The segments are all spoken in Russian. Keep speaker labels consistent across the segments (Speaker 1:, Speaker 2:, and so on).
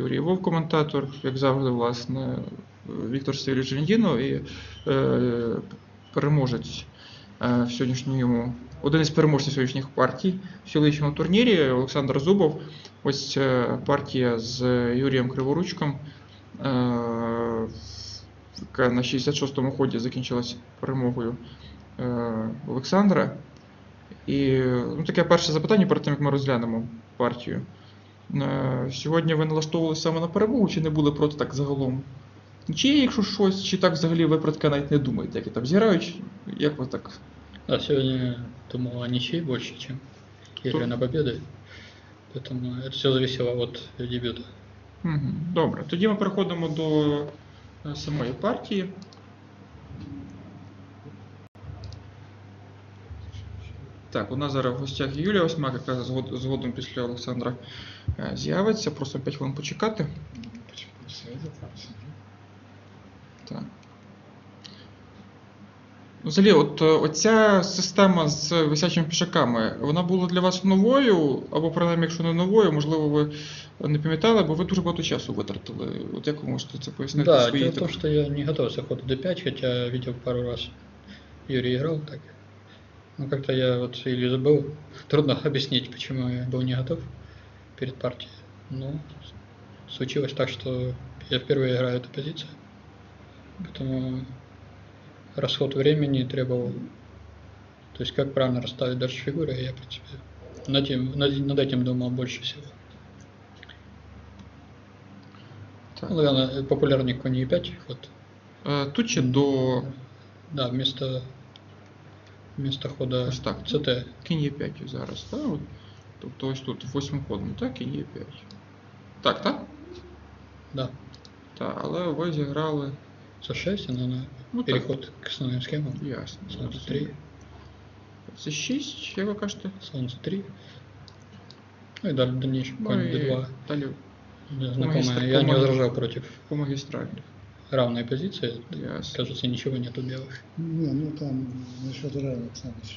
Speaker 1: Юрій Вовк, коментатор, як завжди, власне, Віктор Сергійович Жендінов і переможець в сьогоднішньому, один із переможців сьогоднішніх партій в сьогоднішньому турнірі Олександр Зубов. Ось партія з Юрієм Криворучком, яка на 66-му ході закінчилась перемогою Олександра. І таке перше запитання перед тим, як ми розглянемо партію. Сьогодні ви налаштовувалися саме на перемогу, чи не були проти так загалом? Чи є, якщо щось, чи так взагалі ви про таке навіть не думаєте, як і там зіграють, як ви так?
Speaker 2: Да, сегодня думал о ничьей больше, чем игры на победы. Поэтому это все зависело от дебюта.
Speaker 1: Добре, тоді ми переходимо до самої партії. Так, у нас зараз в гостях Юлія Осьмак, яка згодом після Олександра з'явиться. Просимо 5 хвилин почекати. Так. Взагалі, оця система з висячими пішаками, вона була для вас новою, або принаймні, якщо не новою, можливо, ви не пам'ятали, бо ви дуже багато часу витратили. От як ви можете це пояснити?
Speaker 2: Да, дело в том, что я не готовился к ходу d5, хотя видел пару раз Юрий играл так. Но как-то я вот или забыл, трудно объяснить, почему я был не готов перед партией. Но случилось так, что я впервые играю эту позицию, поэтому расход времени требовал, то есть как правильно расставить дальше фигуры, я, в принципе, над этим думал больше всего. Ну, наверное, популярный конь e5 ход.
Speaker 1: Тут чи до...
Speaker 2: Да, вместо хода
Speaker 1: так,
Speaker 2: CT.
Speaker 1: Кінь Е5 зараз, так? Тобто ось тут 8 ходом, так? Кінь Е5. Так?
Speaker 2: Да.
Speaker 1: Так, але ви зіграли...
Speaker 2: C6, наверное, переход к основным схемам.
Speaker 1: Ясно.
Speaker 2: Слон C3.
Speaker 1: C6, як ви кажете?
Speaker 2: Слон C3. Ну и дальше дальнейший конь D2.
Speaker 1: Далі
Speaker 2: Знакомая, я не возражал против
Speaker 1: по магистрали.
Speaker 2: Равной позиции.
Speaker 1: Ясно.
Speaker 2: Кажется, ничего нету белых.
Speaker 3: Не, ну там насчет равных сам еще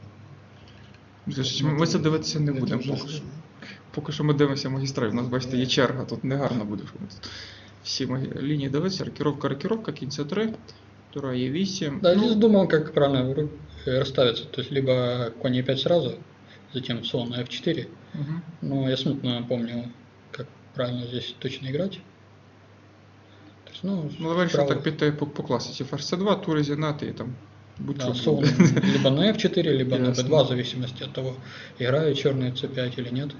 Speaker 3: не.
Speaker 1: Ми це дивитися не будемо поки що. Поки що ми дивимося магістраль. У нас, бачите, є черга, тут негарно буде. Всі лінії дивитися, рокировка, кінь С3, тура Е8.
Speaker 2: Да, здесь думал, как правильно расставиться. То есть, либо конь Е5 сразу, затем слон на F4. Но я смутно помню, как правильно здесь точно играть. То есть,
Speaker 1: ви вирішили так піти по класиці. Ферзь С2, тури зігнати і там будь-що.
Speaker 2: Да, слон либо на F4, либо на B2, в зависимости от того, играют черные C5 или нет.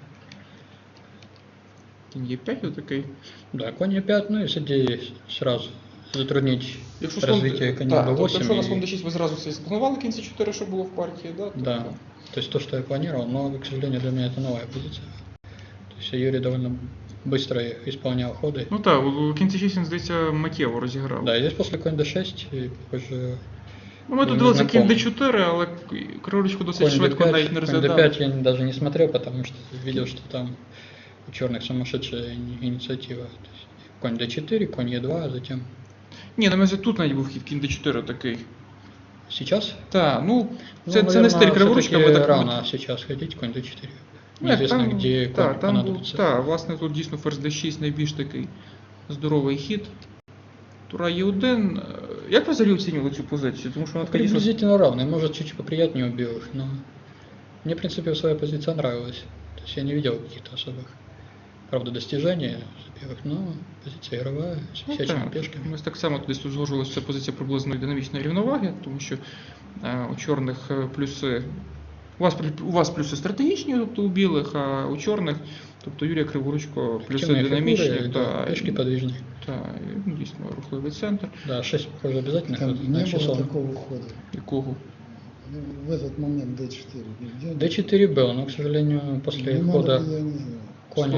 Speaker 1: Кінь Е5 такий.
Speaker 2: Да, конь Е5, ну и с идеей сразу затруднить развитие коня B8.
Speaker 1: Якщо на слон D6 ви зразу все спланували кінь С4, що було в партії, да?
Speaker 2: Да, то есть то, что я планировал, но, к сожалению, для меня это новая позиция. То есть Юрий довольно быстро исполнял ходы.
Speaker 1: Ну так, у кінь С6 він, здається, миттєво розіграв.
Speaker 2: Да, и здесь после конь D6, и позже...
Speaker 1: Ми тут дивилися кінь D4, але Криворучку досить швидко навіть не розглядав.
Speaker 2: Конь D5 я даже не смотрел, потому что видел, что там у черных сумасшедшая инициатива. То есть конь D4, конь E2, а затем...
Speaker 1: Ні, на мене тут навіть був хід кінь D4 такий.
Speaker 2: Сейчас?
Speaker 1: Так, це не стиль Криворучка, ми так...
Speaker 2: рано сейчас ходить, конь D4. Неизвестно, где конь понадобится.
Speaker 1: Так, власне, тут дійсно ферзь D6 найбільш такий здоровий хід. Тура Е1. Як ви взагалі оцінювали цю позицію? Тому що вона така дійсно...
Speaker 2: Приблизительно равная, может чуть поприятнее у белых, но мне, в принципе, своя позиция нравилась. То есть я не видел каких-то особых, правда, достижений белых, но позиция игровая, с висячими пешками.
Speaker 1: Ми так само десь узгоджувалися, що це позиція приблизно динамічної рівноваги, тому що у чорних плюси... У вас плюси стратегічні, тобто у білих, а у чорних, тобто Юрія Криворучко, плюси динамічні.
Speaker 2: Да, пешки подвижные.
Speaker 1: Так, дійсно, рухливий центр.
Speaker 2: Да, 6, похоже, обязательно.
Speaker 3: Там не было такого хода.
Speaker 1: Якого?
Speaker 3: В этот момент D4.
Speaker 2: D4 был, но, к сожалению, после хода конь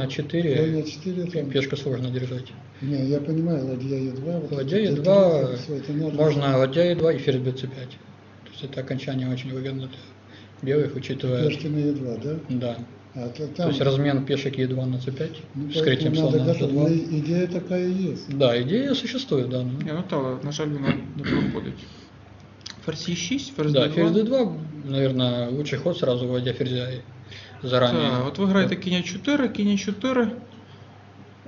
Speaker 2: А4 пешку сложно держать.
Speaker 3: Не, я понимаю, ладья Е2.
Speaker 2: Ладья Е2, можно ладья Е2 и ферзь Б5. То есть это окончание очень выгодно для белых, учитывая...
Speaker 3: Пешки на Е2, да?
Speaker 2: Да.
Speaker 3: Там...
Speaker 2: То есть размен пешек Е2 на C5, вскрытием слона на G2.
Speaker 3: Идея такая есть.
Speaker 2: Да, идея существует, да.
Speaker 1: На жаль, вона не проходить. Ферзь Е6, ферзь
Speaker 2: Да,
Speaker 1: D2.
Speaker 2: ферзь D2, наверное, лучший ход сразу вводя ферзя заранее.
Speaker 1: Так, от ви граєте кінь А4, кінь А4.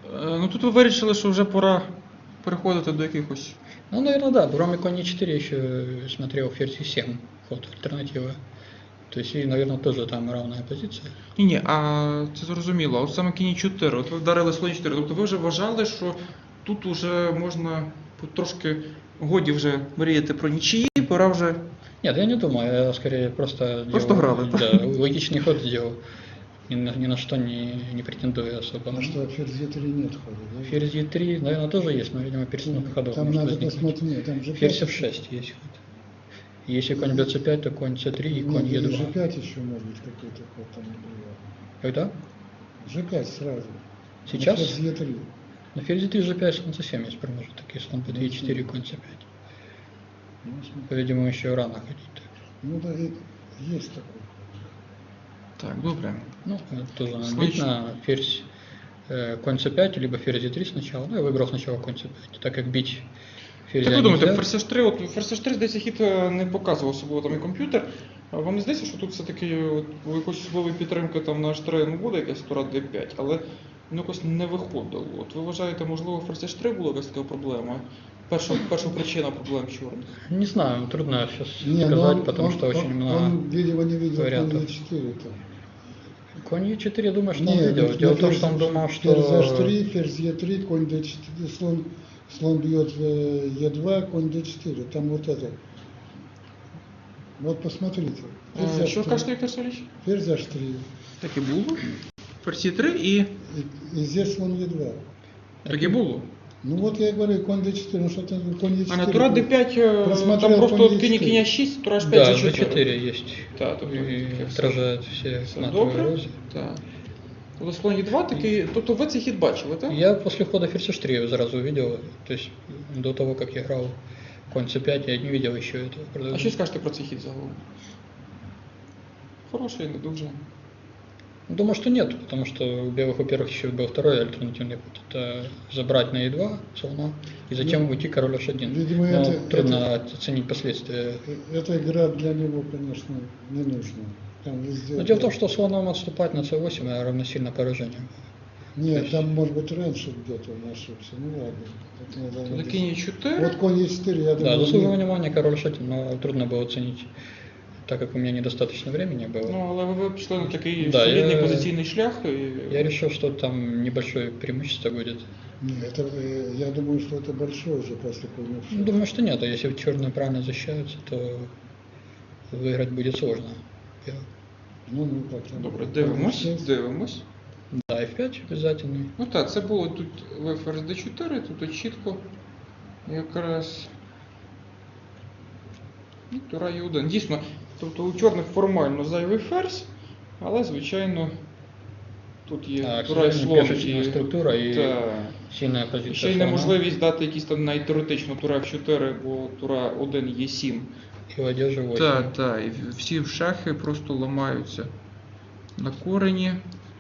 Speaker 1: Ну тут ви вирішили, що вже пора переходити до якихось.
Speaker 2: Ну, наверное, да. Кроме конь e4 еще смотрел ферзь e7, ход альтернатива. То есть, и, наверное, тоже там равная позиция.
Speaker 1: Ні, а це зрозуміло. А от саме кінь 4, от ви вдарили слон 4. Тобто ви вже вважали, що тут уже можна трошки годі вже мріяти про нічиї, пора вже.
Speaker 2: Нет, я не думаю, я скорее просто
Speaker 1: Просто
Speaker 2: делал,
Speaker 1: играл,
Speaker 2: да, логичный ход сделал. Ни на что не претендую особо.
Speaker 3: А что, ферзь Е3 нет хода, да?
Speaker 2: Ферзь e3, наверное, тоже есть, но, видимо, перестановка ходов
Speaker 3: Там
Speaker 2: может
Speaker 3: надо
Speaker 2: возникнуть.
Speaker 3: посмотреть, нет, там же
Speaker 2: Ферзь f6 есть ход. Если конь бьет c5, то конь c3 и конь
Speaker 3: Нет,
Speaker 2: e2.
Speaker 3: G5 еще может быть какой-то ход там например.
Speaker 2: Когда?
Speaker 3: G5 сразу.
Speaker 2: Сейчас?
Speaker 3: На ферзь Е3.
Speaker 2: На ферзь e3, g5, слон c7 есть промежуток, и слон b2, e4, конь c5.
Speaker 3: Ну, смотри.
Speaker 2: По-видимому, еще рано ходить. Так.
Speaker 3: Ну да, и есть такой.
Speaker 1: Так, добре.
Speaker 2: Ну, это тоже надо
Speaker 1: Слышно.
Speaker 2: видно. Ферзь конь c5, либо ферзь e3 сначала. Ну, я выбрал сначала конь c5, так как бить ферзя
Speaker 1: Як ви думаєте,
Speaker 2: нельзя.
Speaker 1: ферзь 3, от ферзь 3, здається, хід не показував особливо там і комп'ютер. А вам не здається, що тут все-таки от, у якоїсь особливої підтримки там на H3 ну, буде якась тура D5, але ну, якось не виходило. От ви вважаєте, можливо, ферзь 3 була якась така проблема? Перша причина проблем чорних.
Speaker 2: Не знаю, трудно сейчас
Speaker 3: Не, ну
Speaker 2: сказать,
Speaker 3: он-
Speaker 2: потому
Speaker 3: он-
Speaker 2: что очень
Speaker 3: он,
Speaker 2: много
Speaker 3: Он, видимо, не видел конь
Speaker 2: вариантов.
Speaker 3: Е4 там.
Speaker 2: Конь e4, я думаю, что
Speaker 3: Не,
Speaker 2: он видел.
Speaker 3: ведь
Speaker 2: Дело
Speaker 3: на
Speaker 2: в том, что он
Speaker 3: ферзь-
Speaker 2: думал, что...
Speaker 3: Ферзь H3, ферзь Е3, конь D4, слон бьет Е2, конь D4. Там вот это. Вот посмотрите. Ферзь
Speaker 1: Що
Speaker 3: H3,
Speaker 1: кажете, Віктор Сергійович?
Speaker 3: ферзь H3.
Speaker 1: Так і було. Ферзь 3 і
Speaker 3: И здесь слон Е2.
Speaker 1: так і було.
Speaker 3: Ну вот я и говорю, конь D4, ну что-то конь Е4.
Speaker 1: А на тура D5
Speaker 3: Просмотрел
Speaker 1: там просто
Speaker 3: конь
Speaker 1: от кінь
Speaker 3: E4.
Speaker 1: кінь 6, тура H5
Speaker 2: Да,
Speaker 1: G4.
Speaker 2: g4 есть.
Speaker 1: Так, тобто
Speaker 2: И
Speaker 1: таке все.
Speaker 2: отражает все
Speaker 1: Все
Speaker 2: натовые
Speaker 1: добре.
Speaker 2: эрозии.
Speaker 1: Так. Тобто слон Е2 такий, тобто ви цей хід бачили, так?
Speaker 2: Я после хода ферзь h3 сразу увидел, то есть до того, как я играл конь c5, я не видел еще этого.
Speaker 1: А
Speaker 2: продолжения.
Speaker 1: що скажете про цей хід загалом? Хороший, не дуже.
Speaker 2: Думаю, что нет, потому что у белых, во-первых, еще был второй альтернативный путь. Это забрать на e2 слона и затем уйти король h1.
Speaker 3: Видимо,
Speaker 2: Но
Speaker 3: это-
Speaker 2: трудно оценить последствия.
Speaker 3: Эта игра для него, конечно, не нужна. Там везде...
Speaker 2: Но дело в том, что слоном отступать на c8 равносильно поражению.
Speaker 3: Нет, там может быть раньше где-то он ошибся. Ну ладно. Это надо
Speaker 1: Тобто
Speaker 3: найти.
Speaker 1: кінь 4.
Speaker 3: Вот конь Е4, я
Speaker 2: Да,
Speaker 3: думаю,
Speaker 2: заслужил
Speaker 3: не-
Speaker 2: внимания король h1, но трудно было оценить, так как у меня недостаточно времени было.
Speaker 1: Ну, але ви пішли на такий
Speaker 2: Да,
Speaker 1: солідний
Speaker 2: я-
Speaker 1: позиційний шлях. І...
Speaker 2: Я решил, что там небольшое преимущество будет.
Speaker 3: Не, это, я думаю, что это большое уже после конь
Speaker 2: Ну, думаю, что нет, а если черные правильно защищаются, то выиграть будет сложно.
Speaker 3: Ну, как там.
Speaker 1: Добре, дивимось.
Speaker 2: Да, f5 обязательный.
Speaker 1: Ну так, це було тут в ферзь d4, тут чітко якраз і тура e1. Дійсно, тобто у чорних формально зайвий ферзь, але звичайно тут є
Speaker 2: А, к
Speaker 1: тура і
Speaker 2: сожалению,
Speaker 1: слон.
Speaker 2: пешечная структура и
Speaker 1: Та,
Speaker 2: сильная позиция.
Speaker 1: ще й
Speaker 2: слона.
Speaker 1: неможливість дати якісь там навіть теоретично тура f4, бо тура 1 є 7.
Speaker 2: И ладья же 8.
Speaker 1: Так, так, і всі шахи просто ламаються на корені.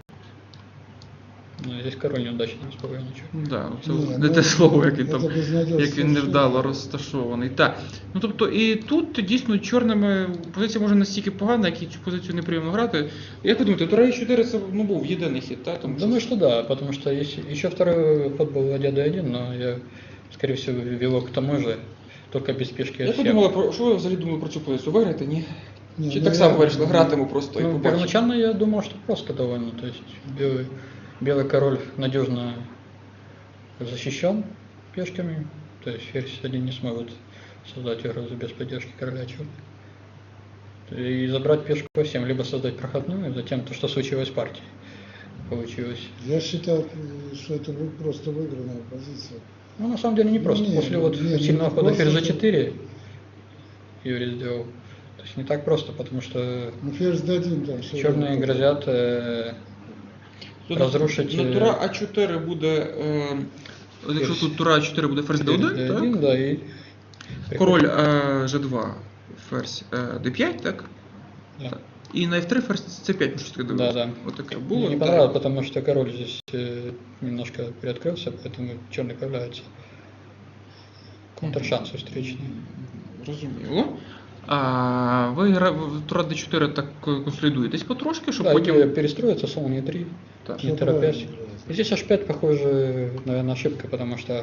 Speaker 2: Ну, здесь король неудачно расположен.
Speaker 1: Да, це
Speaker 3: Ні,
Speaker 1: не
Speaker 3: ну,
Speaker 1: те слово, яке
Speaker 3: це
Speaker 1: там,
Speaker 3: безнадіжно
Speaker 1: як він невдало
Speaker 3: совершенно.
Speaker 1: розташований. Так. Ну тобто, і тут дійсно чорними позиція може настільки погана, як і цю позицію неприємно грати. Як ви думаєте, тура e4 це ну, був єдиний хід, так? Тому
Speaker 2: Думаю, что да, потому что еще второй ход был ладья d1, но я, скорее всего, вело к тому же, только без пешки
Speaker 1: Як ви
Speaker 2: f7.
Speaker 1: думали, що ви взагалі думали про цю позицію? Виграти, ні?
Speaker 3: Не,
Speaker 1: Чи
Speaker 3: ну
Speaker 1: так
Speaker 3: я-
Speaker 1: само вирішили, гратиму просто і
Speaker 2: Ну,
Speaker 1: побачимо?
Speaker 2: первоначально я думал, что просто довольно. То есть белый король надежно защищен пешками. То есть ферзь один не сможет создать угрозу без поддержки короля черных. И забрать пешку f7, либо создать проходную, затем то, что случилось в партии. Получилось.
Speaker 3: Я считал, что это просто выигранная позиция.
Speaker 2: Ну, на самом деле не
Speaker 3: Ну,
Speaker 2: просто.
Speaker 3: не,
Speaker 2: После вот
Speaker 3: не
Speaker 2: сильного хода
Speaker 3: просто,
Speaker 2: ферзь
Speaker 3: что-
Speaker 2: g4 Юрий сделал. То есть не так просто, потому что
Speaker 3: Ну, ферзь D1 там. что
Speaker 2: черные
Speaker 3: там?
Speaker 2: грозят
Speaker 1: Тобто,
Speaker 2: розрушить,
Speaker 1: на тура А4 буде, якщо
Speaker 2: ферзь.
Speaker 1: тут тура А4 буде ферзь D1, так?
Speaker 2: d1, да, и
Speaker 1: Король G2, ферзь D5, так?
Speaker 2: Да.
Speaker 1: Так. І на F3 ферзь C5, ми щось таке дивилися.
Speaker 2: Да.
Speaker 1: Отаке
Speaker 2: Мне
Speaker 1: було.
Speaker 2: не
Speaker 1: так.
Speaker 2: понравилось, потому что король здесь немножко приоткрылся, поэтому черный появляется. Контршанс встречный.
Speaker 1: Зрозуміло. А ви в тура D4 так консолідуєтесь потрошки, щоб
Speaker 2: Да,
Speaker 1: потім...
Speaker 2: и перестроиться, слон e3,
Speaker 1: Так.
Speaker 3: Всё
Speaker 2: не торопясь.
Speaker 3: правильно играет.
Speaker 2: Здесь h5, похоже, наверное, ошибка, потому что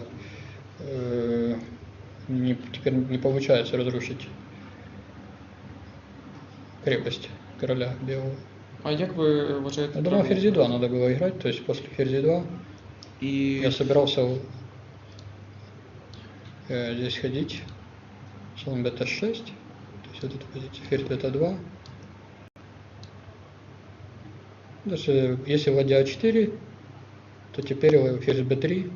Speaker 2: теперь не получается разрушить крепость короля белого.
Speaker 1: А як ви вважаєте?
Speaker 2: Я думал,
Speaker 1: треба?
Speaker 2: ферзь 2 надо было играть, то есть после ферзь 2
Speaker 1: І
Speaker 2: я собирался здесь ходить, слон бета 6, то есть вот эту позицию, ферзь бета 2. Даже если ладья А4, то теперь ферзь b3.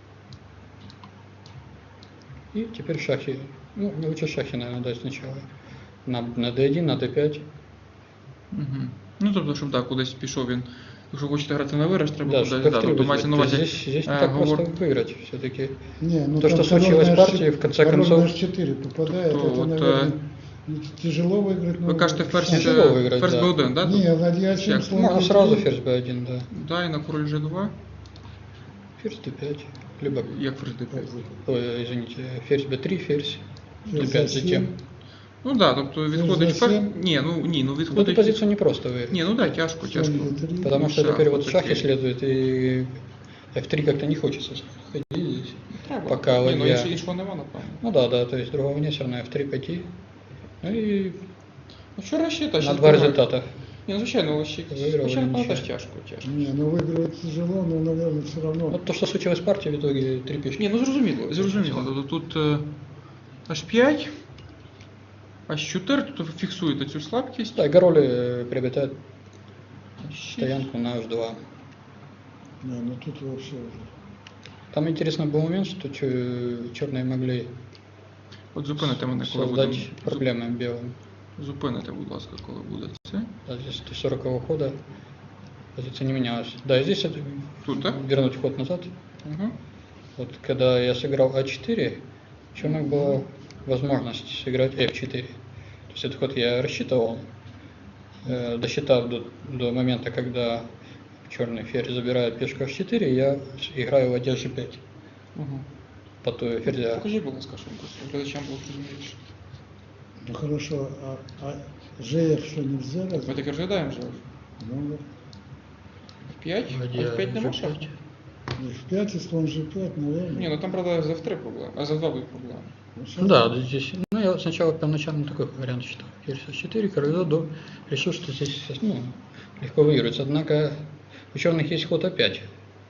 Speaker 2: И теперь шахи. Ну, не лучше шахи, наверное, дать сначала. На d1, на d5.
Speaker 1: Угу. Ну, тобто, щоб так, кудись пішов він. Якщо хочете грати на виграш, треба
Speaker 2: Да,
Speaker 1: кудись.
Speaker 2: чтобы
Speaker 1: Да,
Speaker 2: f3
Speaker 1: тобто
Speaker 2: вызвать.
Speaker 1: мається на
Speaker 2: То есть
Speaker 1: увазі.
Speaker 2: здесь не так просто выиграть все-таки.
Speaker 3: Не, ну
Speaker 2: То,
Speaker 3: там
Speaker 2: что
Speaker 3: король
Speaker 2: случилось
Speaker 3: на
Speaker 2: в партии,
Speaker 3: H4
Speaker 2: в конце
Speaker 3: король
Speaker 2: концов-
Speaker 3: на H4 попадает,
Speaker 1: То
Speaker 3: это,
Speaker 1: вот,
Speaker 3: наверное, тяжело выиграть.
Speaker 1: Ви кажете, ферзь,
Speaker 2: Тяжело виграти,
Speaker 1: ферзь
Speaker 2: да.
Speaker 1: b1, да?
Speaker 3: Не, ладья
Speaker 1: Як?
Speaker 3: 7, слон
Speaker 2: Можно
Speaker 3: E3.
Speaker 2: сразу ферзь b1, да.
Speaker 1: Да, і на король g2.
Speaker 2: Ферзь d5. Либо,
Speaker 1: Як ферзь d5?
Speaker 2: извините, ферзь b3, ферзь
Speaker 3: Ферзь
Speaker 2: d5
Speaker 3: A7.
Speaker 2: затем.
Speaker 1: Ну так, да, тобто відходить
Speaker 3: за сім.
Speaker 1: Ні, ну
Speaker 2: Эту
Speaker 1: відходить.
Speaker 2: позицию не просто выиграть.
Speaker 1: Ні, ну так, да, тяжко,
Speaker 3: Слон
Speaker 1: тяжко.
Speaker 3: E3.
Speaker 2: Потому что
Speaker 1: шах,
Speaker 2: теперь вот
Speaker 1: вот
Speaker 2: шахи
Speaker 1: такие.
Speaker 2: следует, и f3 как-то не хочется ходить здесь.
Speaker 1: Треба.
Speaker 2: Пока
Speaker 1: Ні, ну
Speaker 2: ладья.
Speaker 1: іншого нема, напевно.
Speaker 2: Ну да, то есть другого нет, все равно f3 пойти. Ну и
Speaker 1: Ну вчора ще та
Speaker 2: на
Speaker 1: ще
Speaker 2: два результата.
Speaker 1: Ні, ну звичайно, але ще
Speaker 2: Виграв,
Speaker 1: ще напевно
Speaker 2: нічого.
Speaker 1: теж тяжко.
Speaker 3: Не, ну выигрывать тяжело, но, наверное, все равно.
Speaker 2: Вот то, что случилось в партии, в итоге 3 пешки.
Speaker 1: Ні, ну зрозуміло. Тобто тут H5, H4, тут фіксуєте цю слабкість.
Speaker 2: Да, и король приобретает стоянку на h2.
Speaker 3: Не, ну тут вообще уже.
Speaker 2: Там интересный был момент, что черные могли
Speaker 1: От зупините мене, коли будемо.
Speaker 2: создать проблемы белым.
Speaker 1: Зупините, будь ласка, коли буде це.
Speaker 2: Да, здесь 40 хода позиция не менялась. Да, и здесь
Speaker 1: Тут, да?
Speaker 2: вернуть ход назад.
Speaker 1: Угу.
Speaker 2: Вот когда я сыграл А4, черных была возможность сыграть F4. То есть этот ход я рассчитывал, досчитав до момента, когда черный ферзь забирает пешку H4, я играю ладья G5
Speaker 1: Угу.
Speaker 2: по той ферзя.
Speaker 1: Покажіть, будь ласка, що глядачам було зрозуміліше.
Speaker 3: Ну хорошо, а ЖФ что нельзя
Speaker 1: Ми
Speaker 3: разве?
Speaker 1: таки розглядаємо вже.
Speaker 3: Ну,
Speaker 1: F5?
Speaker 2: Ладья
Speaker 1: F5 нема
Speaker 2: G5.
Speaker 1: шаху?
Speaker 3: F5 и слон G5, наверное.
Speaker 1: Ні, ну там, правда, з F3 проблема, а за 2 будуть проблеми.
Speaker 3: Ну,
Speaker 2: Ну
Speaker 3: сейчас-
Speaker 2: да, здесь, ну я сначала первоначально такой вариант считал. Ферзь H4, король до, решил, что здесь легко выигрывается. Однако у черных есть ход А5.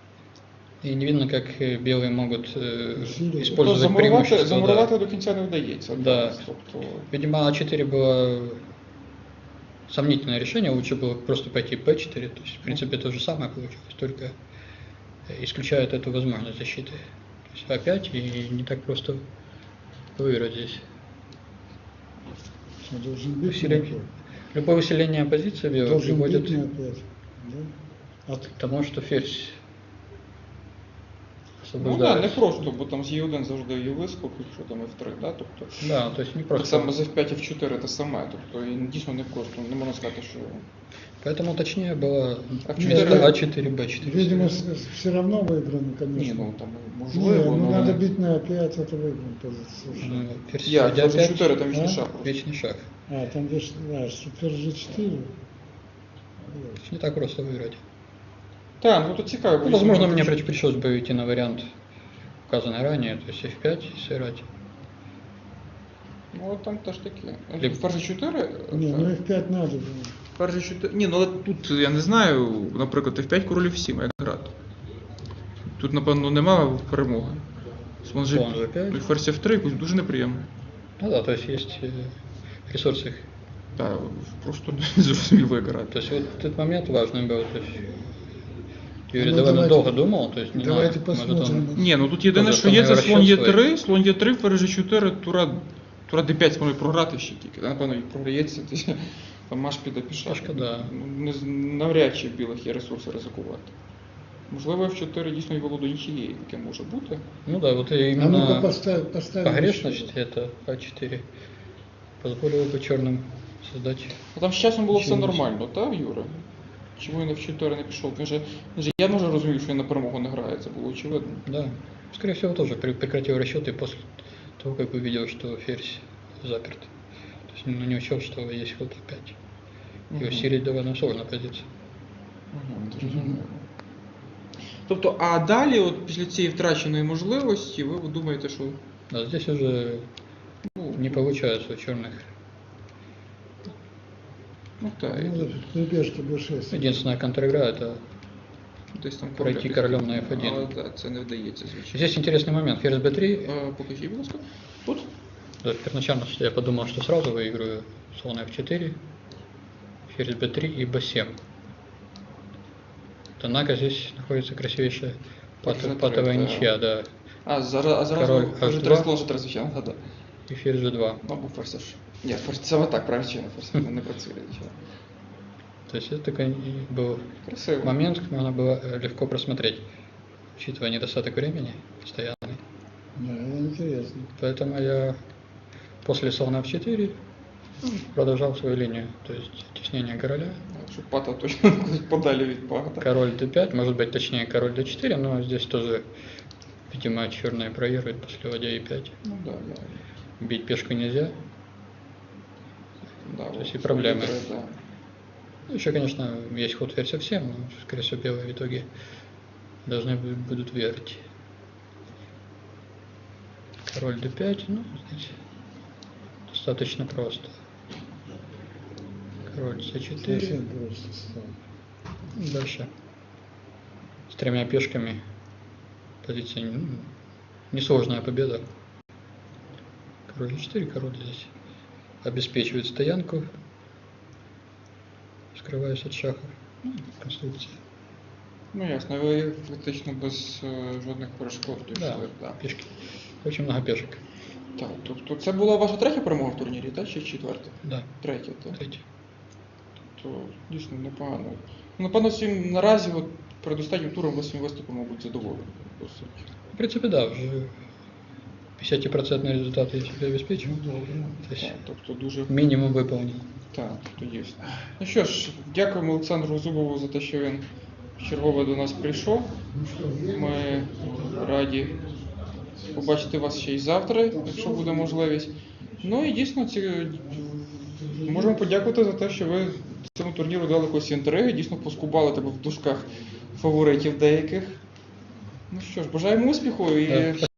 Speaker 2: И не видно, как белые могут
Speaker 3: Усиливать.
Speaker 2: использовать
Speaker 1: Тобто
Speaker 2: преимущество. да.
Speaker 1: замурувати до кінця не вдається.
Speaker 2: Да.
Speaker 1: Тобто,
Speaker 2: Видимо, А4 было сомнительное решение, лучше было просто пойти P4, то есть, в принципе, то же самое получилось, только исключает эту возможность защиты. То есть А5 и не так просто выиграть здесь.
Speaker 3: Что, должен бить
Speaker 2: Усиление.
Speaker 3: на опять?
Speaker 2: Любое усиление позиции белых
Speaker 3: Должен
Speaker 2: приводит
Speaker 3: бить на опять. Да? А
Speaker 2: к тому, что ферзь
Speaker 1: ну так,
Speaker 2: освобождает.
Speaker 1: не просто, бо там з Е1 завжди є вискок, якщо там F3, да? Тобто,
Speaker 2: Да, то есть не
Speaker 1: так
Speaker 2: просто.
Speaker 1: само з F5 F4 те саме, тобто і дійсно не просто, не можна сказати, що...
Speaker 2: Поэтому точнее было
Speaker 1: А
Speaker 2: вместо
Speaker 1: в четыре-
Speaker 2: А4, Б4.
Speaker 3: видимо, все равно выиграно, конечно.
Speaker 1: Ні, ну там
Speaker 3: Не,
Speaker 1: можливо,
Speaker 3: ну
Speaker 1: але...
Speaker 3: надо бить на опять, это выиграно позицию.
Speaker 2: Ну, ферзь
Speaker 1: Як?
Speaker 2: ладья
Speaker 1: За 4 там вічний
Speaker 3: А?
Speaker 1: шах.
Speaker 2: вечный шаг.
Speaker 3: А, там видишь, да, супер G4.
Speaker 2: То есть не так просто выиграть.
Speaker 1: Так, ну то цікаво.
Speaker 2: Ну, возможно, мне пришлось бы идти на вариант, указанный ранее, то есть F5 и сыграть.
Speaker 1: Ну, от там теж таке.
Speaker 2: Ліп-
Speaker 1: Ферзь 4?
Speaker 3: Не, ну F5 надо было.
Speaker 1: Ферзь 4... Ні, ну але тут, я не знаю, наприклад, F5 король F7, як грати. Тут, напевно, немає перемоги. Слон
Speaker 2: Слон
Speaker 1: G5,
Speaker 2: G5.
Speaker 1: ферзь F3, якось дуже неприємно.
Speaker 2: Ну да, то есть есть ресурсы.
Speaker 1: Так, просто не зрозуміло, як грати.
Speaker 2: То есть вот этот момент важный был. То есть Юрий
Speaker 3: Ну,
Speaker 2: довольно
Speaker 3: давайте-
Speaker 2: долго думал, то есть не
Speaker 3: давайте
Speaker 2: знаю, может
Speaker 3: посмотрим.
Speaker 2: он...
Speaker 1: Ні, ну тут єдине,
Speaker 2: Може,
Speaker 1: що є, це
Speaker 2: там
Speaker 1: слон
Speaker 2: розчет
Speaker 1: Е3, слон Е3, ферзь G4, тура D5 зможе програти ще тільки. Та, напевно, і програється, там маш піде пішак.
Speaker 2: Трошки, да.
Speaker 1: Ну, навряд чи в білих є ресурси ризикувати. Можливо, F4 дійсно і володо нічиєї, таке може бути.
Speaker 2: Ну да, вот
Speaker 3: А ну-ка
Speaker 2: именно
Speaker 3: поставь.
Speaker 2: погрешность это А4 позволило бы черным создать...
Speaker 1: Ну, там з часом було все
Speaker 2: Чомусь.
Speaker 1: нормально, так, Юра? Чому він F4 не пішов? Він же я може розумів, що він на перемогу не грає, це було очевидно.
Speaker 2: Да, скорее всего тоже прекратил расчеты после того, как увидел, что ферзь заперт. То есть ну, не учел, что есть ход опять. И
Speaker 1: Мгм.
Speaker 2: усилить довольно сложная позиция.
Speaker 1: Угу, зрозуміло. Тобто, а далі, от після цієї втраченої можливості, ви думаєте, що
Speaker 2: Да, здесь уже
Speaker 1: ну,
Speaker 2: не получается у черных.
Speaker 1: ну так,
Speaker 3: Ну, при пешке b6.
Speaker 2: Единственная контр-игра это
Speaker 1: десь там
Speaker 2: пройти королем на F1.
Speaker 1: Але да, це не вдається, звичайно.
Speaker 2: Здесь интересный момент. Ферзь b3.
Speaker 1: Покажіть, будь ласка. Тут?
Speaker 2: Да, первоначально я подумал, что сразу выиграю слон f4, ферзь b3 и b7. Однако здесь находится красивейшая патовая
Speaker 1: да.
Speaker 2: ничья, да.
Speaker 1: Зараз
Speaker 2: Король
Speaker 1: вже
Speaker 2: H2.
Speaker 1: три сложити, звичайно, да.
Speaker 2: И ферзь g2.
Speaker 1: Або ферзь H. Ні, ферзь саме так, правильно, ферзь не працює, звичайно.
Speaker 2: То есть это такой был
Speaker 1: Красиво.
Speaker 2: момент, когда можно было легко просмотреть, учитывая недостаток времени постоянный.
Speaker 3: Да, это интересно.
Speaker 2: Поэтому я после слона f4 продолжал свою линию, то есть теснение короля.
Speaker 1: Щоб пата точно кудись подалі від пата.
Speaker 2: Король d5, может быть точнее король d4, но здесь тоже, видимо, черные проигрывают после ладья e5.
Speaker 1: Ну да, да.
Speaker 2: Бить пешку нельзя.
Speaker 1: Да,
Speaker 2: То есть
Speaker 1: вот,
Speaker 2: и проблемы.
Speaker 1: Да.
Speaker 2: Ну, еще, конечно, есть ход ферзь f7, но, скорее всего, белые в итоге должны будут выиграть. Король d5, ну, здесь достаточно просто. Король c4.
Speaker 3: Совсем просто стало.
Speaker 2: Дальше. С тремя пешками. Позиция несложная победа. Король e4, король здесь обеспечивает стоянку, скрываясь от шахов. Ну, конструкция.
Speaker 1: Ну ясно, ви фактично без жодних перешкод
Speaker 2: Да,
Speaker 1: дійшли. Да.
Speaker 2: пешки. Очень много пешек.
Speaker 1: Так, тобто це була ваша третя перемога в турнірі, так? Чи четверта?
Speaker 2: Да,
Speaker 1: Третя, так.
Speaker 2: третий.
Speaker 1: То дійсно непогано. Ну, напевно, всім наразі, от, перед останнім туром ви своїм виступом, мабуть, задоволені. По суті.
Speaker 2: В принципе, да, уже 50% результат я себе обеспечил.
Speaker 3: Ну, добре.
Speaker 2: То есть
Speaker 1: Так, тобто дуже
Speaker 2: минимум выполнен.
Speaker 1: так, то дійсно. Ну що ж, дякуємо Олександру Зубову за те, що він чергове до нас прийшов. Ми раді побачити вас ще й завтра, якщо буде можливість. Ну і дійсно можемо подякувати за те, що ви цьому турніру дали якось інтриги, дійсно поскубали тебе в дужках фаворитів деяких. Ну що ж, бажаємо успіху і
Speaker 2: Да.